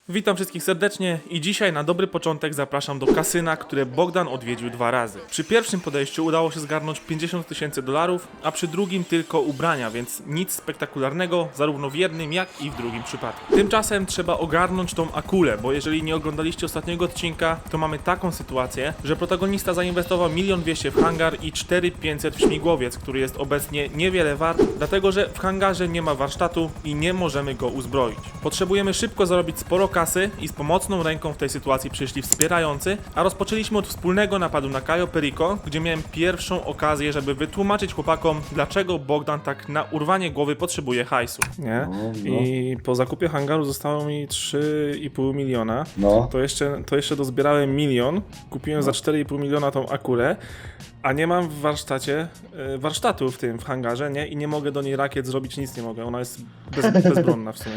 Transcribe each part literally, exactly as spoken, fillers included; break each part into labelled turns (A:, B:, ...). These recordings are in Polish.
A: Witam wszystkich serdecznie i dzisiaj na dobry początek zapraszam do kasyna, które Bogdan odwiedził dwa razy. Przy pierwszym podejściu udało się zgarnąć pięćdziesiąt tysięcy dolarów, a przy drugim tylko ubrania, więc nic spektakularnego zarówno w jednym jak i w drugim przypadku. Tymczasem trzeba ogarnąć tą akulę, bo jeżeli nie oglądaliście ostatniego odcinka, to mamy taką sytuację, że protagonista zainwestował milion dwieście w hangar i cztery tysiące pięćset w śmigłowiec, który jest obecnie niewiele wart, dlatego że w hangarze nie ma warsztatu i nie możemy go uzbroić. Potrzebujemy szybko zarobić sporo kasy i z pomocną ręką w tej sytuacji przyszli wspierający, a rozpoczęliśmy od wspólnego napadu na Cayo Perico, gdzie miałem pierwszą okazję, żeby wytłumaczyć chłopakom, dlaczego Bogdan tak na urwanie głowy potrzebuje hajsu. Nie?
B: No, no.
A: I po zakupie hangaru zostało mi trzy i pół miliona.
B: No.
A: To jeszcze, to jeszcze dozbierałem milion, kupiłem
B: No.
A: za cztery i pół miliona tą akulę, a nie mam w warsztacie, y, warsztatu w tym, w hangarze, nie? I nie mogę do niej rakiet zrobić, nic nie mogę. Ona jest bez, bezbronna w sumie.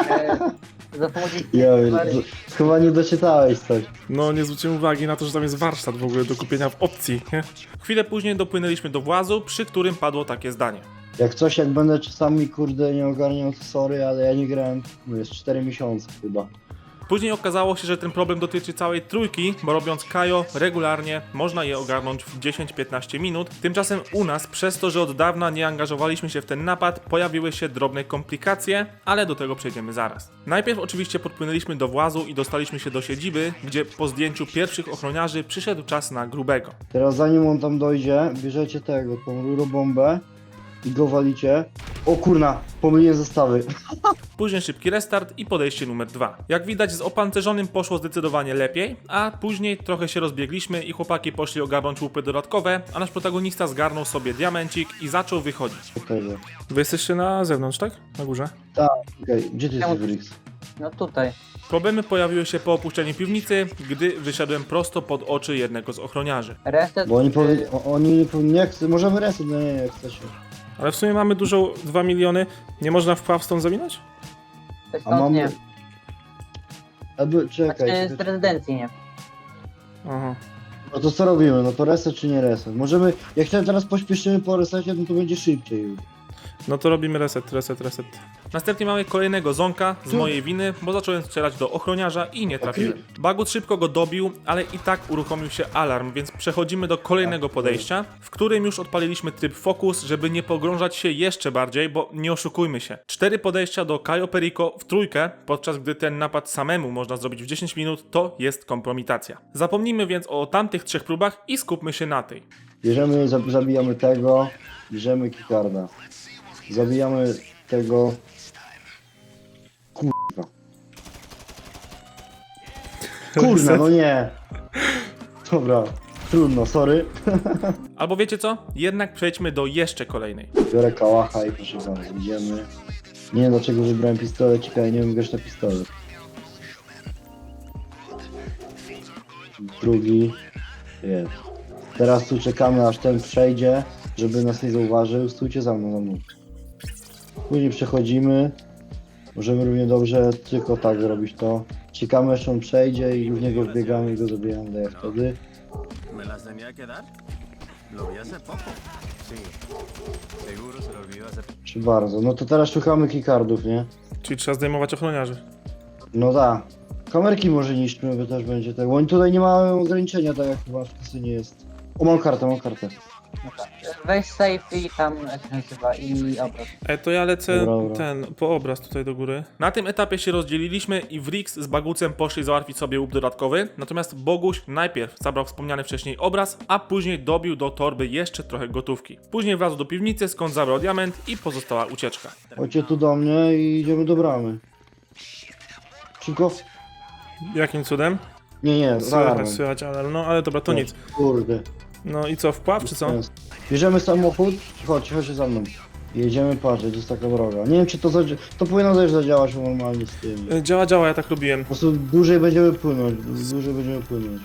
C: Za pomocą
B: Ja, chyba nie doczytałeś coś.
A: No, nie zwróciłem uwagi na to, że tam jest warsztat w ogóle do kupienia w opcji, nie? Chwilę później dopłynęliśmy do włazu, przy którym padło takie zdanie.
B: Jak coś, jak będę czasami kurde nie ogarniał, to sorry, ale ja nie grałem, no jest cztery miesiące chyba.
A: Później okazało się, że ten problem dotyczy całej trójki, bo robiąc Cayo regularnie można je ogarnąć w dziesięć piętnaście minut. Tymczasem u nas, przez to, że od dawna nie angażowaliśmy się w ten napad, pojawiły się drobne komplikacje, ale do tego przejdziemy zaraz. Najpierw oczywiście podpłynęliśmy do włazu i dostaliśmy się do siedziby, gdzie po zdjęciu pierwszych ochroniarzy przyszedł czas na grubego.
B: Teraz zanim on tam dojdzie, bierzecie tego, tą rurobombę i go walicie. O kurna, pomyliłem zestawy.
A: Później szybki restart i podejście numer dwa. Jak widać z opancerzonym poszło zdecydowanie lepiej, a później trochę się rozbiegliśmy i chłopaki poszli ogarnąć łupy dodatkowe, a nasz protagonista zgarnął sobie diamencik i zaczął wychodzić.
B: Okej,
A: Wy jesteście na zewnątrz, tak? Na górze?
B: tak, okej, gdzie ty jesteś, Brix?
C: No tutaj.
A: Problemy pojawiły się po opuszczeniu piwnicy, gdy wyszedłem prosto pod oczy jednego z ochroniarzy.
C: Reset.
B: Bo oni powie... o- oni nie powie... nie chcą, możemy reset, no nie, jak chcecie.
A: Ale w sumie mamy dużo, dwa miliony, nie można wpław stąd zawinąć?
C: Stąd
B: A mamy...
C: nie.
B: Aby, czekaj,
C: Znaczy z
B: czekaj.
C: prezydencji nie.
A: Aha.
B: No to co robimy, no to reset czy nie reset? Możemy, jak chciałem teraz pośpieszymy po resecie, no to będzie szybciej już.
A: No to robimy reset, reset, reset. Następnie mamy kolejnego zonka z mojej winy, bo zacząłem strzelać do ochroniarza i nie trafiłem. Bagut szybko go dobił, ale i tak uruchomił się alarm, więc przechodzimy do kolejnego podejścia, w którym już odpaliliśmy tryb Focus, żeby nie pogrążać się jeszcze bardziej, bo nie oszukujmy się. Cztery podejścia do Cayo Perico w trójkę, podczas gdy ten napad samemu można zrobić w dziesięć minut, to jest kompromitacja. Zapomnijmy więc o tamtych trzech próbach i skupmy się na tej.
B: Bierzemy, zab- zabijamy tego, bierzemy kikarda. Zabijamy tego... Kurwa. Kurna, no nie. Dobra, trudno, sorry.
A: Albo wiecie co? Jednak przejdźmy do jeszcze kolejnej.
B: Biorę kałacha i proszę bardzo, idziemy. Nie wiem dlaczego wybrałem pistolecik, ale nie wiem grać na pistolet. Drugi. Jest. Teraz tu czekamy aż ten przejdzie, żeby nas nie zauważył. Stójcie za mną, za mną. Później przechodzimy. Możemy równie dobrze tylko tak zrobić to. Czekamy aż on przejdzie i w niego wbiegamy i go zabijamy. Daję wtedy.
D: ¿Me las tenía que dar? Lo vi hace poco. Sí. Seguro se lo olvidó hace poco.
B: Czy bardzo. No to teraz szukamy keycardów, nie?
A: Czyli trzeba zdejmować ochroniarzy.
B: No da. Kamerki może niszczmy, bo też będzie tak. Bo oni tutaj nie mają ograniczenia, tak jak chyba w kasynie jest. O, mam kartę, mam kartę.
C: No tak. Weź safe i tam jak się nazywa i obraz.
A: E, to ja lecę
B: Dobra, dobra.
A: ten, po obraz tutaj do góry. Na tym etapie się rozdzieliliśmy i Wrix z Bagucem poszli załatwić sobie łup dodatkowy, natomiast Boguś najpierw zabrał wspomniany wcześniej obraz, a później dobił do torby jeszcze trochę gotówki. Później wlazł do piwnicy, skąd zabrał diament i pozostała ucieczka.
B: Chodźcie tu do mnie i idziemy do bramy. Szybko?
A: Jakim cudem?
B: Nie, nie,
A: Słychać,
B: zaraz.
A: słychać, ale no, ale dobra, to nic.
B: Kurde.
A: No i co, wpław czy co?
B: Bierzemy samochód, chodź, chodź za mną. Jedziemy patrzeć, to jest taka droga. Nie wiem czy to zadzi- to powinno też zadziałać normalnie z tym.
A: E, Działa, działa, ja tak robiłem.
B: Po prostu dłużej będziemy płynąć, dłużej będziemy płynąć.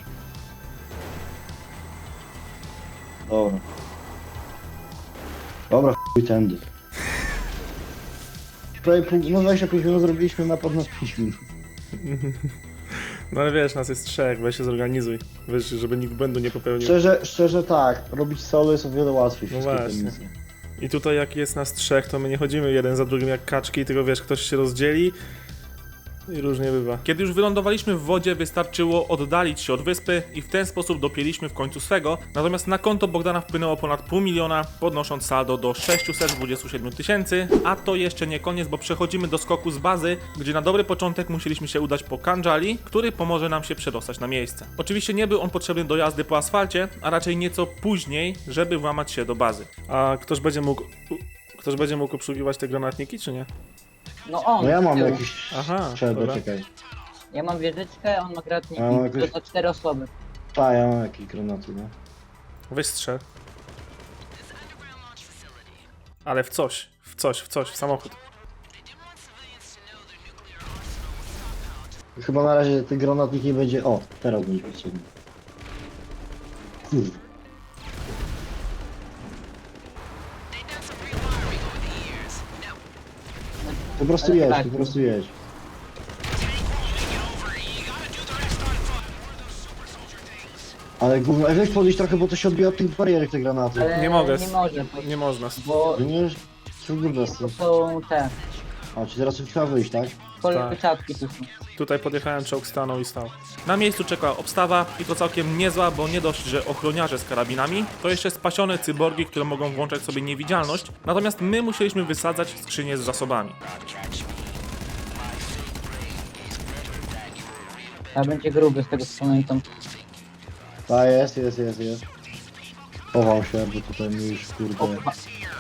B: Dobra. Dobra, chuj tędy. Prawie pół, no dwadzieścia pięć minut zrobiliśmy napad na pięć minut.
A: No ale wiesz, nas jest trzech, weź się zorganizuj. Wiesz, żeby nikt błędu nie popełnił.
B: Szczerze, szczerze tak, robić solo jest o wiele łatwiej.
A: No
B: wszystkie te
A: właśnie.
B: misje.
A: I tutaj jak jest nas trzech, to my nie chodzimy jeden za drugim jak kaczki, tylko wiesz, ktoś się rozdzieli I różnie bywa. Kiedy już wylądowaliśmy w wodzie, wystarczyło oddalić się od wyspy i w ten sposób dopięliśmy w końcu swego, natomiast na konto Bogdana wpłynęło ponad pół miliona, podnosząc saldo do sześćset dwadzieścia siedem tysięcy, a to jeszcze nie koniec, bo przechodzimy do skoku z bazy, gdzie na dobry początek musieliśmy się udać po Kandżali, który pomoże nam się przedostać na miejsce. Oczywiście nie był on potrzebny do jazdy po asfalcie, a raczej nieco później, żeby włamać się do bazy. A ktoś będzie mógł... Ktoś będzie mógł obsługiwać te granatniki, czy nie?
C: No on.
B: No ja mam
C: tył.
B: jakiś
A: Aha,
B: strzelbę,
A: dobra.
B: czekaj.
C: Ja mam wieżyczkę, on ma gratniki.
B: A, mam jakieś-
C: To za cztery osoby.
B: A, ja mam jakieś granaty, no.
A: Weź strzel. Ale w coś, w coś, w coś, w samochód.
B: Chyba na razie ten granatnik nie będzie... O, teraz będzie potrzebny. Kurde. Po prostu
C: Ale
B: jedź,
C: tak.
B: po prostu jedź. Ale gówno, ej, weź podejść trochę, bo to się odbija od tych barierek, te granaty.
C: Ale
A: Nie mogę.
C: Nie może, bo,
A: Nie można.
C: bo
B: No nie, co bez
C: to są te
B: A, czy teraz trzeba wyjść, tak?
C: kolczatki tu są.
A: Tutaj podjechałem, czołg stanął i stał. Na miejscu czekała obstawa i to całkiem niezła, bo nie dość, że ochroniarze z karabinami, to jeszcze spasione cyborgi, które mogą włączać sobie niewidzialność, natomiast my musieliśmy wysadzać skrzynię z zasobami.
C: A będzie gruby z tego co pamiętam.
B: A, jest, jest, jest, jest. Chował się, bo tutaj mi już, kurde...
C: Opa.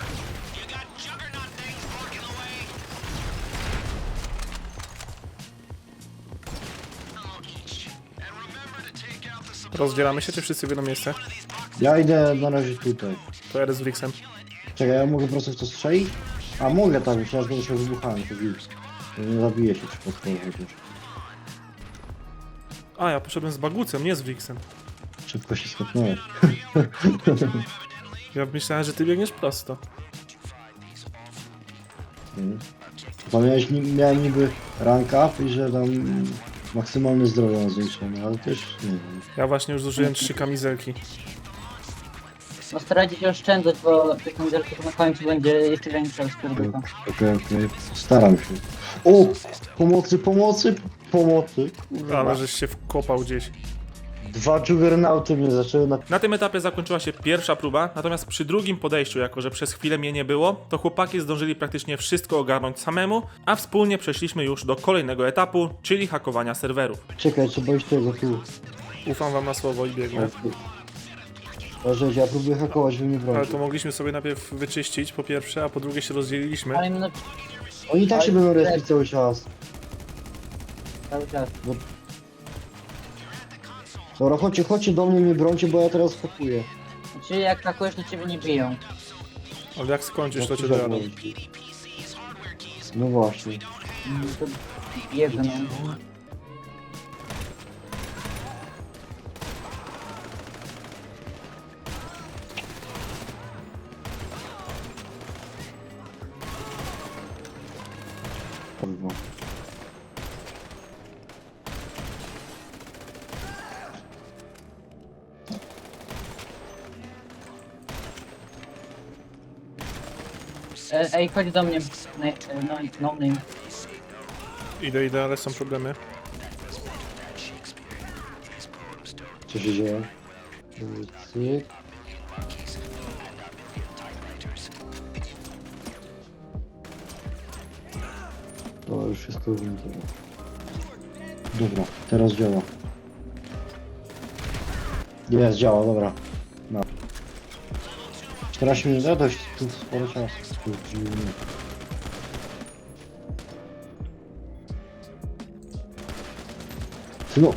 A: Rozdzielamy się, czy wszyscy w jedno miejsce?
B: Ja idę na razie tutaj.
A: To jadę z Wrixem.
B: Czekaj, ja mogę po prostu w to strzelić? A, mogę tak, myślałem, że będę się wybuchałem, to widzisz. Nie zabije się przypadkowo chociaż.
A: A, ja poszedłem z Bagucem, nie z Wrixem.
B: Szybko się skopnąłeś.
A: Ja myślałem, że ty biegniesz prosto.
B: Mhm. Bo miałeś, ni- miałem niby rank up i że tam maksymalne zdrowie mam zwiększone, ale też nie wiem.
A: Ja właśnie już zużyłem trzy kamizelki.
C: No starajcie się oszczędzać, bo tych kamizelków na końcu będzie jeszcze większa skórka.
B: Okej, okej, staram się. O! Pomocy, pomocy, pomocy.
A: Ale żeś się wkopał gdzieś.
B: Dwa juggernauty mnie zaczęły na...
A: Na tym etapie zakończyła się pierwsza próba, natomiast przy drugim podejściu, jako że przez chwilę mnie nie było, to chłopaki zdążyli praktycznie wszystko ogarnąć samemu, a wspólnie przeszliśmy już do kolejnego etapu, czyli hakowania serwerów.
B: Czekaj, trzeba iść tego tu.
A: Ufam wam na słowo i biegnę.
B: Proszę, ja próbuję hakować, wy mnie
A: Ale
B: bronicie.
A: to mogliśmy sobie najpierw wyczyścić po pierwsze, a po drugie się rozdzieliliśmy.
C: Ale no
B: Oni tak się
C: Ale-
B: będą respić cały czas.
C: cały czas.
B: Dobra, chodźcie, chodźcie do mnie, nie brońcie, bo ja teraz hakuję.
C: Znaczy jak takujesz, to ciebie nie biją.
A: Ale jak skończysz, to
B: Jak
A: cię
B: to
A: dojadą.
B: zabrać? No właśnie.
C: Mm, To biegną.
B: Kurwa.
C: E, ej, chodź do mnie. No, no, no name.
A: Idę, idę, ale są problemy.
B: Co się dzieje? Cyk. To już wszystko wygląda. Dobra, teraz działa. Jest, działa, dobra. No. czternaście minut, ja dość tu sporo czasu. Kurczę. Synu!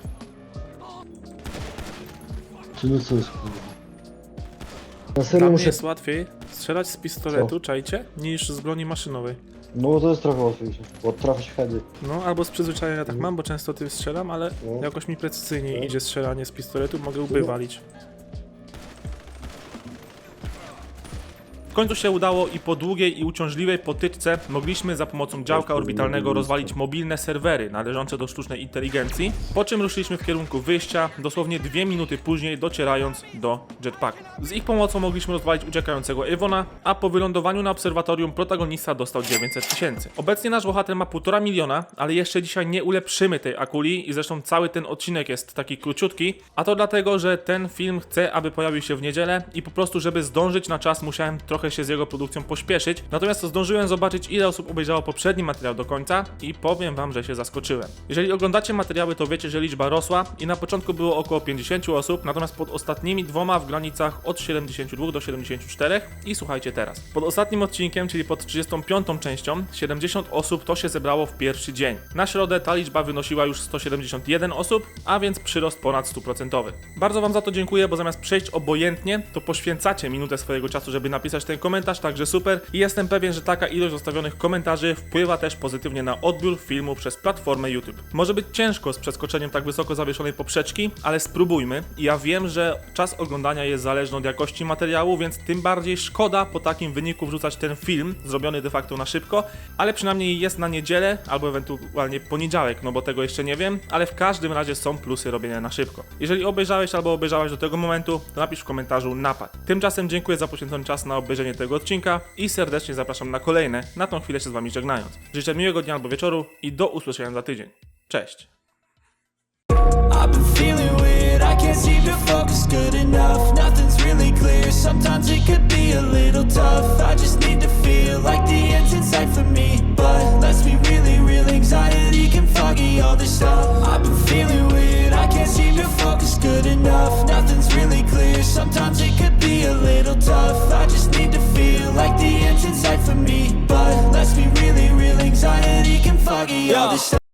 B: Synu, co jest kurwa? Na serio
A: Dla mnie
B: muszę...
A: jest łatwiej strzelać z pistoletu, czajcie, niż z broni maszynowej.
B: No bo to jest trochę łatwiejsze, bo trafić w heady.
A: No, albo z przyzwyczajenia tak mam, bo często tym strzelam, ale
B: No.
A: jakoś mi precyzyjniej
B: No.
A: idzie strzelanie z pistoletu, mogę łby
B: No.
A: walić. W końcu się udało i po długiej i uciążliwej potyczce mogliśmy za pomocą działka orbitalnego rozwalić mobilne serwery należące do sztucznej inteligencji, po czym ruszyliśmy w kierunku wyjścia, dosłownie dwie minuty później docierając do jetpacku. Z ich pomocą mogliśmy rozwalić uciekającego Ewona, a po wylądowaniu na obserwatorium protagonista dostał dziewięćset tysięcy. Obecnie nasz bohater ma półtora miliona, ale jeszcze dzisiaj nie ulepszymy tej akuli i zresztą cały ten odcinek jest taki króciutki, a to dlatego, że ten film chcę, aby pojawił się w niedzielę i po prostu, żeby zdążyć na czas, musiałem trochę się z jego produkcją pośpieszyć. Natomiast zdążyłem zobaczyć, ile osób obejrzało poprzedni materiał do końca i powiem wam, że się zaskoczyłem. Jeżeli oglądacie materiały, to wiecie, że liczba rosła i na początku było około pięćdziesiąt osób, natomiast pod ostatnimi dwoma w granicach od siedemdziesięciu dwóch do siedemdziesięciu czterech i słuchajcie teraz. Pod ostatnim odcinkiem, czyli pod trzydziestą piątą częścią, siedemdziesiąt osób to się zebrało w pierwszy dzień. Na środę ta liczba wynosiła już sto siedemdziesiąt jeden osób, a więc przyrost ponad stu procent. Bardzo wam za to dziękuję, bo zamiast przejść obojętnie, to poświęcacie minutę swojego czasu, żeby napisać ten komentarz, także super. I jestem pewien, że taka ilość zostawionych komentarzy wpływa też pozytywnie na odbiór filmu przez platformę YouTube. Może być ciężko z przeskoczeniem tak wysoko zawieszonej poprzeczki, ale spróbujmy. I ja wiem, że czas oglądania jest zależny od jakości materiału, więc tym bardziej szkoda po takim wyniku wrzucać ten film, zrobiony de facto na szybko, ale przynajmniej jest na niedzielę, albo ewentualnie poniedziałek, no bo tego jeszcze nie wiem, ale w każdym razie są plusy robienia na szybko. Jeżeli obejrzałeś albo obejrzałaś do tego momentu, to napisz w komentarzu napad. Tymczasem dziękuję za poświęcony czas na obejrzenie tego odcinka i serdecznie zapraszam na kolejne, na tą chwilę się z wami żegnając. Życzę miłego dnia albo wieczoru i do usłyszenia za tydzień. Cześć!
E: I've been feeling weird, I can't seem to focus good enough. Nothing's really clear, sometimes it could be a little tough. I just need to feel like the end's in sight for me. But let's be really real, anxiety can foggy all this stuff. I've been feeling weird, I can't seem to focus good enough. Nothing's really clear, sometimes it could